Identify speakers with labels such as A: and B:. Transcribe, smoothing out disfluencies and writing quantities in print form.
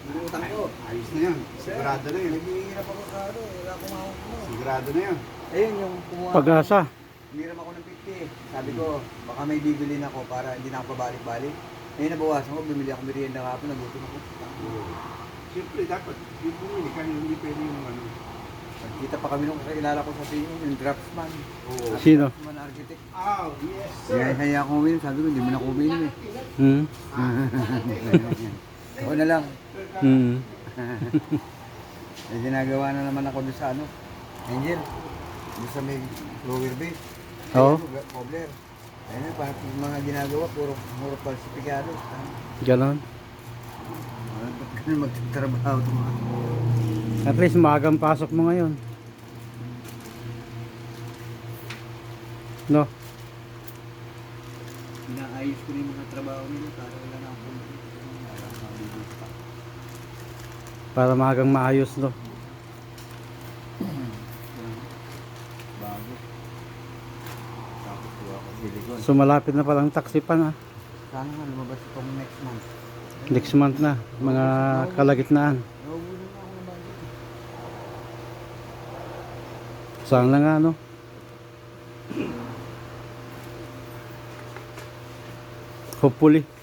A: Yung utang ko.
B: Ayos na yan. Sigurado na yun.
A: Naghihirap ako sa ano, wala akong mahawak mo.
B: Sigurado na yan.
A: Ayun, yung kumuha.
C: Pag-asa.
A: Humiram ako ng 50. Sabi ko, baka may bibilin ako para hindi na ako pabalik-balik. Ngayon nabawasan ko, bumili ako merienda kahapon, nagutom ako.
B: Siyempre dapat, yung bumili ka, hindi pwede yung ano.
A: Nagkita pa kami nung kakilala ko sa PO, yung draftsman.
B: Oo.
C: Sino?
A: Draftsman architect.
B: Oh, yes
A: Kaya ako uminom, sabi ko, hindi mo na ako uminom eh.
C: Hmm.
A: Ako na lang.
C: Hmm.
A: May ginagawa na naman ako doon sa ano, Angel. Doon sa may lower bay.
C: Oo.
A: Cobbler. Ayun na, parang mga ginagawa, puro falsifikado.
C: Ganon.
A: Ba't ganun magtatrabaho ito mga?
C: At least maagang pasok mo ngayon. No?
A: Inaayos ko na yung mga trabaho nila para wala na akong
C: Para maagang maayos, no?
A: bago. Tapos ko ako silikon.
C: So malapit na palang taxi pa na.
A: Sana nga lumabas itong next month.
C: Next month na. Mga kalagitnaan.
A: Nahuhulog na ako ng budget.
C: Saan lang nga, no? Hopefully.